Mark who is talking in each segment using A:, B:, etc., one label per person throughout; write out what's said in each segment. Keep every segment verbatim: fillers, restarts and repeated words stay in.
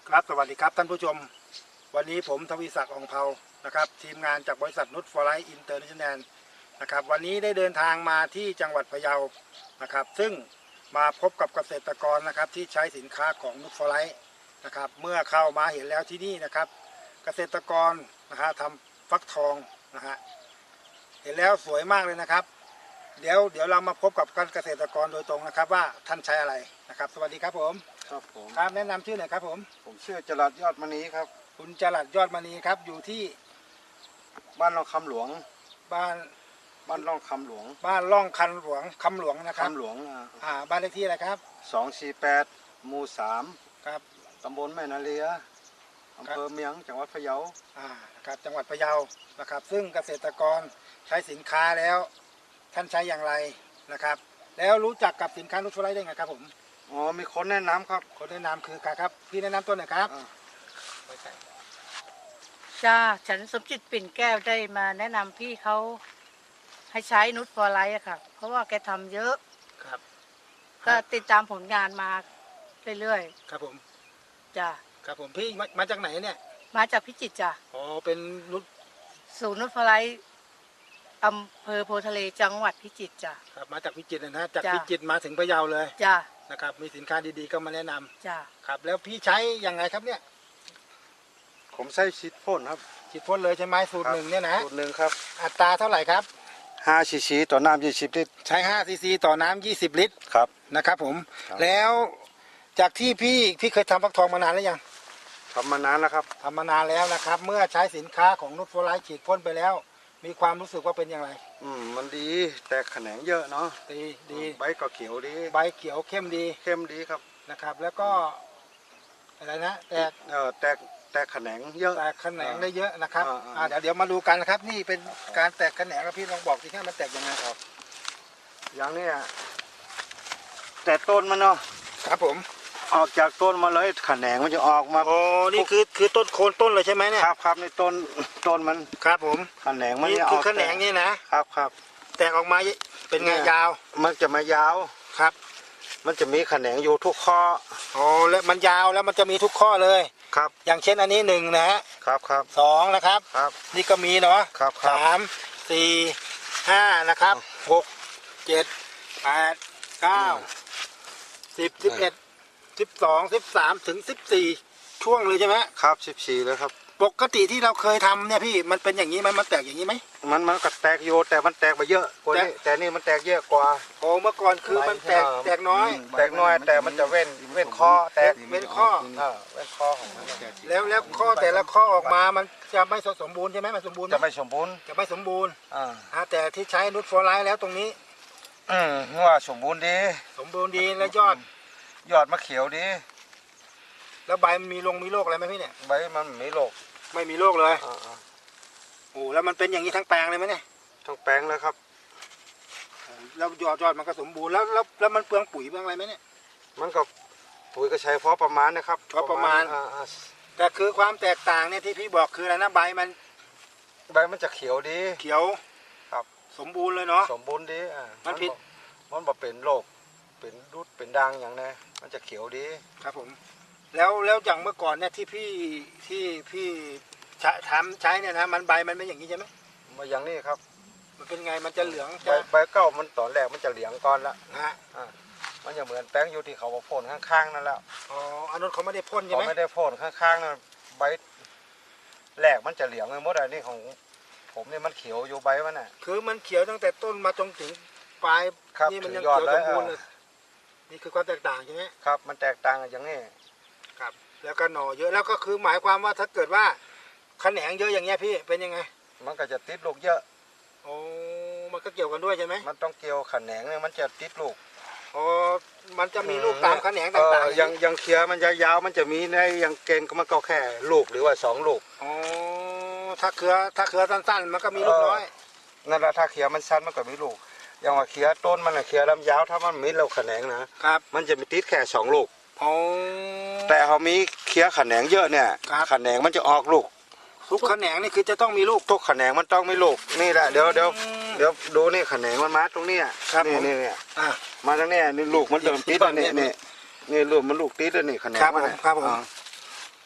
A: ครับสวัสดีครับท่านผู้ชมวันนี้ผมทวีศักดิ์ อ่องเภานะครับทีมงานจากบริษัทนุชฟอร์ไลท์อินเตอร์เนชั่นแนลนะครับวันนี้ได้เดินทางมาที่จังหวัดพะเยานะครับซึ่งมาพบกับเกษตรกรนะครับที่ใช้สินค้าของนุชฟอร์ไลท์นะครับเมื่อเข้ามาเห็นแล้วที่นี่นะครับเกษตรกรนะฮะทำฟักทองนะฮะเห็นแล้วสวยมากเลยนะครับเดี๋ยวเดี๋ยวเรามาพบกับเกษตรกรโดยตรงนะครับว่าท่านใช้อะไรนะครับสวัสดีครับผม
B: ครับผม
A: ครับแนะนำชื่อหน่อยครับผม
B: ผมชื่อจรัสยอดมณีครับ
A: คุณจรัสยอดมณีครับอยู่ที่
B: บ้านร่องคำหลวง
A: บ้าน
B: บ้านร่องคำหลวง
A: บ้านร่องคันหลวงคำหลวงนะครับ
B: คำหลวง
A: อ่าบ้านเลขที่อะไรครับ
B: สองสี่แปดหมู่สาม
A: ครับ
B: ตำบลแม่นาเลียอำเภอเมียงจังหวัดพะเยา
A: อ่าครับจังหวัดพะเยานะครับซึ่งเกษตรกรใช้สินค้าแล้วท่านใช้อย่างไรนะครับแล้วรู้จักกับสินค้านุชฟอร์ไลท์ได้ไงครับผม
B: อ๋อมีคนแนะนำครับ
A: คนแนะนำคือใครครับพี่แนะนำตัวหน่อยครับ
C: จ้าฉันสมจิตปิ่นแก้วได้มาแนะนำพี่เขาให้ใช้นุชฟอร์ไลท์อะค่ะเพราะว่าแกทำเยอะ
A: ครับ
C: ก็ติดตามผลงานมาเรื่อย
A: ๆครับผม
C: จ้า
A: ครับผมพี่มามาจากไหนเนี่ย
C: มาจากพิจิตรจ้า
A: อ๋อเป็นนุช
C: ศูนย์นุชฟอร์ไลท์อำเภอโพธิ์ทะเลจังหวัดพิจิตรจ้า
A: ครับมาจากพิจิตรนะจากพิจิตรมาถึงพะเยาเลย
C: จ้า
A: นะครับมีสินค้าดีๆก็มาแนะนำ
C: จ้า
A: ครับแล้วพี่ใช้ยังไงครับเนี่ย
B: ผมใช้ฉีดพ่นครับ
A: ฉีดพ่นเลยใช่ไหมสูตรหนึ่งเนี่ยนะ
B: สูตรหนึ่งครับ
A: อัตราเท่าไหร่ครับ
B: ห้าซีซีต่อน้ำยี่สิบลิตร
A: ใช้ห้าซีซีต่อน้ำยี่สิบลิตร
B: ครับ
A: นะครับผมแล้วจากที่พี่พี่เคยทำฟักทองมานานแล้วยัง
B: ทำมานานแล้วครับ
A: ทำมานานแล้วนะครับเมื่อใช้สินค้าของนุชฟอร์ไลท์ฉีดพ่นไปแล้วมีความรู้สึกว่าเป็นอย่างไร
B: อืมมันดีแต่แขนงเยอะเนาะ
A: ดีดี
B: ใบก็เขียวดี
A: ใบเขียวเข้มดี
B: เข้มดีครับ
A: นะครับแล้วก็อะไรนะแตก
B: เออแตกแตกแขนงเยอะ
A: แตกแขนงได้เยอะนะครับอ่าเดี๋ยวเดี๋ยวมาดูกันนะครับนี่เป็นการแตกแขนงครับพี่ลองบอกสิครับมันแตกยังไงครับ
B: อย่างนี้แต่ต้นมันเนาะ
A: ครับผม
B: ออกจากต้นมาเลยแขนงมันจะออกมา
A: โอ้นี่คือคือต้นโคนต้นเลยใช่ไหมเนี่ย
B: ครับครับในต้นต้นมัน
A: ครับผม
B: แขนงมัน
A: นี่คือแขนงนี่นะครับ
B: ครับ
A: แตกออกมาเป็นไงยาว
B: มันจะมายาว
A: ครับ
B: มันจะมีแขนงอยู่ทุกข้อ
A: โอ้แล้วมันยาวแล้วมันจะมีทุกข้อเลย
B: ครับ
A: อย่างเช่นอันนี้หนึ่งนะฮะ
B: ครับครับ
A: สองนะครับ
B: ครับ
A: นี่ก็มีเนาะ
B: ครับ
A: สามสี่ห้านะครับหกเจ็ดแปดเก้าสิบสิบเอ็ดสิบสองสิบสามถึงสิบสี่ช่วงเลยใช่ไหม
B: ครับสิบสี่เลยครับ
A: ปกติที่เราเคยทำเนี่ยพี่มันเป็นอย่างนี้ไหมมันแตกอย่างนี้ไหม
B: มันมันก็แตกโยแต่มันแตกไปเยอะกว่านี้แต่นี่มันแตกเยอะกว่า
A: โอ้เมื่อก่อนคือมันแตกแตกน้อย
B: แตกน้อยแต่มันจะเว้นเว้นข้อแตก
A: เว้นข้อ
B: เว้นข้อของมัน
A: แล้วแล้วข้อแต่ละข้อออกมามันจะไม่สมบูรณ์ใช่ไหมมันสมบูรณ์
B: จะไม่สมบูรณ์
A: จะไม่สมบูรณ์
B: อ่า
A: แต่ที่ใช้นุชฟอร์ไลท์แล้วตรงนี้
B: อืมว่าสมบูรณ์ดี
A: สมบูรณ์ดีแล้วยอด
B: ยอดมะเขียวดี
A: แล้วใบมันมีลงมีโรคอะไรไหมพี่เนี่ย
B: ใบมันไม่โรค
A: ไม่มีโรคเลยโอ้แล้วมันเป็นอย่างนี้ทั้งแปลงเลยไหมเนี่ย
B: ทั้งแปลงเลยครับ
A: แล้วยอดยอดมันก็สมบูรณ์แล้วแล้วแล้วมันเปลืองปุ๋ยเปลืองอะไรไหมเนี่ย
B: มันก็ปุ๋ยก็ใช้พอประมาณนะครับ
A: พอประมาณแต่คือความแตกต่างเนี่ยที่พี่บอกคืออะไรนะใบมัน
B: ใบมันจะเขียวดี
A: เขียว
B: ครับ
A: สมบูรณ์เลยเนาะ
B: สมบูรณ์ดีอ่า
A: มันผิด
B: มันบอกเป็นโรคเป็นรุดเป็นด่างอย่างนี้มันจะเขียวดี
A: ครับผมแล้วแล้วอย่างเมื่อก่อนเนี่ยที่พี่ที่พี่ทำใช้เนี่ยนะมันใบมันไม่อย่างนี้ใช่ไหม
B: มาอย่างนี้ครับ
A: มันเป็นไงมันจะเหลือง
B: ใบใบเก้ามันตอนแรกมันจะเหลืองก่อนละ
A: ฮะ
B: อ่ามันจะเหมือนแป้งอยู่ที่เขาพ่นข้างๆนั่นแล้ว
A: อ๋ออันนั้นเขาไม่ได้พ่นใช่ไหม
B: เขาไม่ได้พ่นข้างๆนั่นใบแรกมันจะเหลืองเลยมดอันนี้ของผมเนี่ยมันเขียวอยู่ใบมันน่ะ
A: คือมันเขียวตั้งแต่ต้นมาจนถึงปลายนี่มันยังเขียวสมบูรณ์เลยนี่คือความแตกต่างใช่ไหม
B: ครับมันแตกต่างอย่างนี้
A: ครับแล้วก็หน่อเยอะแล้วก็คือหมายความว่าถ้าเกิดว่าแขนงเยอะอย่างเงี้ยพี่เป็นยังไง
B: มันก็จะติดลูกเยอะ
A: โอ้มันก็เกี่ยวกันด้วยใช่ไหม
B: มันต้องเกี่ยวแขนงเนี่ยมันจะติดลูก
A: โอ้มันจะมีลูกตามแขนงต่าง
B: ๆยังยังเคี้ยมันจะยาวมันจะมีในยังเกณฑ์ก็มันก็แค่ลูกหรือว่าสองลูก
A: อ๋อถ้าเคือถ้าเคือสั้นๆมันก็มีลูกน้อย
B: นั่นแหละถ้าเคี้ยมันสั้นมันก็มีลูกอย่างว่าเคี้ยต้นมันอะเคี้ยลำยาวถ้ามันมีเราแขนงนะครับมันจะมีติดแค่สองลูกแต่เขามีเคี้ยแขนงเยอะเนี่ยแขนงมันจะออกลูก
A: ทุกแขนงนี่คือจะต้องมีลูก
B: ทุกแขนงมันต้องมีลูกนี่แหละเดี๋ยวเดี๋ยวเดี๋ยวดูนี่แขนงมันมาตรงนี้นี่นี่เนี่ยมาตรงนี้นี่ลูกมันเดิมติดนี่นี่นี่ลูกมันลูกติดนี่แขนงมัน
A: ครับผม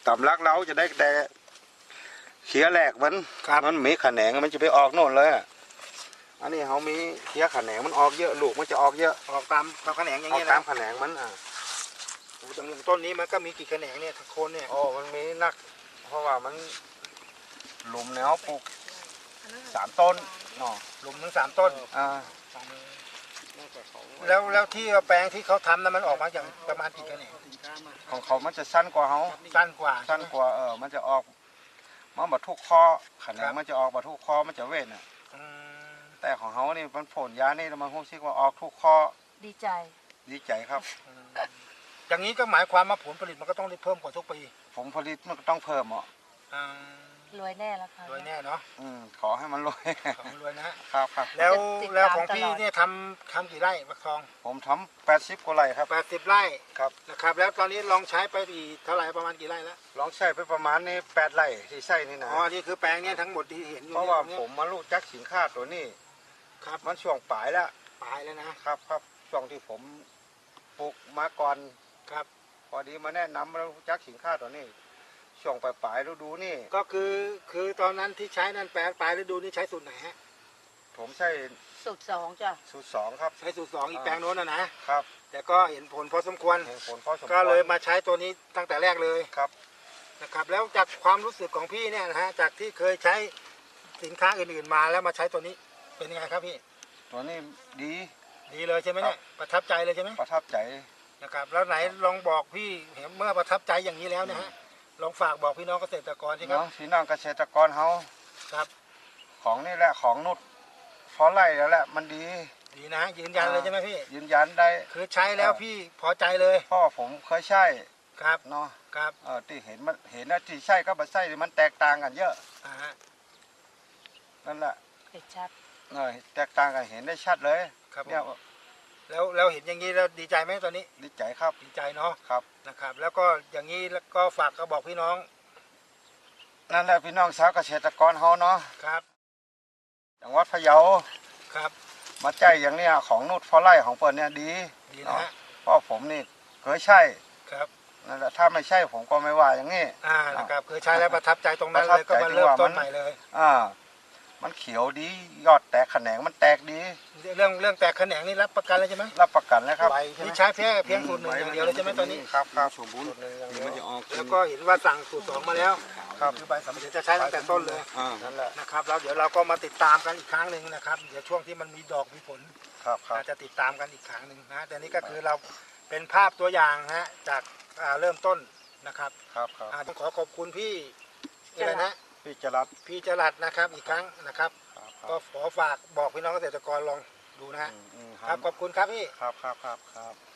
B: ตำลักเราจะได้แต่เขียแหลกมันมันมีขแขนงมันจะไปออกโน่นเลยอะอันนี้เขามีเขียขแขนงมันออกเยอะลูกมันจะออกเยอะ
A: ออกตามตามแขนงอย่าง
B: ออก
A: นี้
B: ตา
A: นะ
B: มแขนงมันอ่ะ
A: โอ้อย่างต้นนี้มันก็มีกี่แขนงเนี่ยโคนเนี่ย
B: โอ้มันมีนัก เพราะว่ามันหลุมแนวปลูกสามต้นเนาะ
A: หลุมทั้งสามต้น
B: อ่า
A: แล้วแล้วที่แปลงที่เขาทำนั้นมันออกมาอย่างประมาณกี่แขนง
B: ของเขามันจะสั้นกว่าเขา
A: สั้นกว่า
B: สั้นกว่าเออมันจะออกมันบัทุกคอแขนงมันจะออกบัทุกคอมันจะเว้นอ่ะ
A: อืม
B: แต่ของเขานี่มันผลยานี่มันคงซิกว่าออกทุกคอ
C: ดีใจ
B: ดีใจครับ
A: อย่างนี้ก็หมายความว่าผลผลิตมันก็ต้องได้เพิ่มกว่าทุกปี
B: ผมผลิตมันก็ต้องเพิ่มอ่ะ
A: อ่าร
C: วยแน่แล้วค่ะ
A: รวยแน่เนาะ
B: อืมขอให้มันรวย
A: ของรวยนะ
B: ครับครับ
A: แล้ว
C: ติดตาม
A: แล้วของพี่
C: ตลอด
A: เนี่ยทำทำกี่ไร่บักทอง
B: ผมทำแปดสิบกว่าไร่ครับ
A: แปดสิบไร่
B: ครับ
A: นะครับ แล้วตอนนี้ลองใช้ไปอีกเท่าไหร่ประมาณกี่ไร่แล้ว
B: ลองใช้ไปประมาณนี้แปดไร่ที่ใส่นี่นะ
A: อ๋อนี่คือแปลงเนี่ยทั้งหมดที่เห็นอยู่
B: เพราะ
A: เนี่ย
B: ว่า
A: ตรงเนี้ย
B: ผมมาลูกจักสินค้าตัวนี้
A: ครับ
B: มันช่วงปลายแล้ว
A: ปลายแล้วนะครับ
B: ครับช่วงที่ผมปลูกมาก่อน
A: ครับ
B: พอดีมาแนะนำมาลูกจักสินค้าตัวนี้ ช่วงปลายปลายฤดูนี่
A: ก็คือคือตอนนั้นที่ใช้นั่นแปลงปลายฤดูนี่ใช้สูตรไหนฮะ
B: ผมใช้
C: สูตรสองจ้ะ
B: สูตรสองครับ
A: ใช้สูตรสองอีกแปลงโน้นนะนะครับ แต่ก็เห็นผลพอสมควร
B: เห็นผลพอสมควร
A: ก็เลยมาใช้ตัวนี้ตั้งแต่แรกเลย
B: ครับ
A: นะครับ แล้วจากความรู้สึกของพี่เนี่ยนะฮะจากที่เคยใช้สินค้าอื่นๆมาแล้วมาใช้ตัวนี้เป็นยังไงครับพี่
B: ตัวนี้ดี
A: ดีเลยใช่ไหมเนี่ยประทับใจเลยใช่ไหม
B: ประทับใจ
A: นะครับแล้วไหนลองบอกพี่เห็นเมื่อประทับใจอย่างนี้แล้วนะฮะลองฝากบอกพี่น้องเกษตรกรสิครับ
B: เนาะพี่น้องเกษตรกรเขา
A: ครับ
B: ของนี่แหละของนุชพอไล่แล้วแหละมันดี
A: ดีนะยืนยันเลยใช่ไหมพี่
B: ยืนยันได้
A: คือใช้แล้วพี่พอใจเลย
B: เพราะว่อผมเคยใช้
A: ครับ
B: เนาะ
A: ครับ
B: เออที่เห็นมันเห็นนะที่ใช่ก็มาใช่มันแตกต่างกันเยอะ
A: อ่าฮะ
B: นั่นแหละ
C: เห็นชัด
B: เออแตกต่างกันเห็นได้ชัดเลย
A: ครับผม
B: เนี่ย
A: แล้วแล้วเห็นอย่างนี้แล้วดีใจไหมตอนนี้
B: ดีใจครับ
A: ดีใจเนาะ
B: ครับ
A: นะครับ แล้วก็อย่างนี้แล้วก็ฝากก็บอกพี่น้อง
B: นั่นแหละพี่น้องชาวเกษตรกรเขาเนาะ
A: ครับ
B: จังหวัดพะเยา
A: ครับ
B: มาใจอย่างเนี้ยของนุชพอไล่ของเปิดเนี่ยดี
A: ดีนะฮะ
B: เพราะผมนี่เคยใช่
A: ครับ
B: นั่นแหละถ้าไม่ใช่ผมก็ไม่ว่าอย่างนี้
A: อ่านะครับคือใช้แล้วประทับใจตรงนั้น
B: ประทั
A: เล
B: บ
A: ยก็
B: ใจ
A: มา
B: ที่
A: เริ่ม
B: ว่า
A: ต้น
B: มัน
A: ใหม่เลย
B: อ่า มันเขียวดียอดแตกแขนงมันแตกดี
A: เรื่องเรื่องแตกแขนงนี่รับประกันเลยใช่ไหม
B: รับประกันเลยครับ
A: นี่ใช้เพียงเพียงสูตรหนึ่งอย่างเดียวเลยใช่ไหมตอนนี้
B: ครับครับ
A: สูตรหนึ่งอย่างเดียว
B: มันจะออก
A: แล้วก็เห็นว่าสั่งสูตรสองมาแล้ว
B: ครับ
A: คือใบสำเร็จจะใช้ตั้งแต่ต้นเลย
B: อ่านั่นแหละ
A: นะครับแล้วเดี๋ยวเราก็มาติดตามกันอีกครั้งหนึ่งนะครับเดี๋ยวช่วงที่มันมีดอกมีผล
B: ครับครับ
A: อาจจะติดตามกันอีกครั้งหนึ่งนะแต่นี่ก็คือเราเป็นภาพตัวอย่างนะฮะจากอ่าเริ่มต้นนะครับ
B: ครับครับ
A: อ่าต้องขอขอบคุณพี่อะไรนะ
B: พี่จรัส
A: พี่จรัสนะครับอีกครั้งนะครับ
B: ครับค
A: ก็
B: รับ
A: ขอฝากบอกพี่น้องเกษตรกรลองดูนะฮะ
B: อืมอืม
A: ครับขอบคุณครับพี่
B: ครับครับครับครับ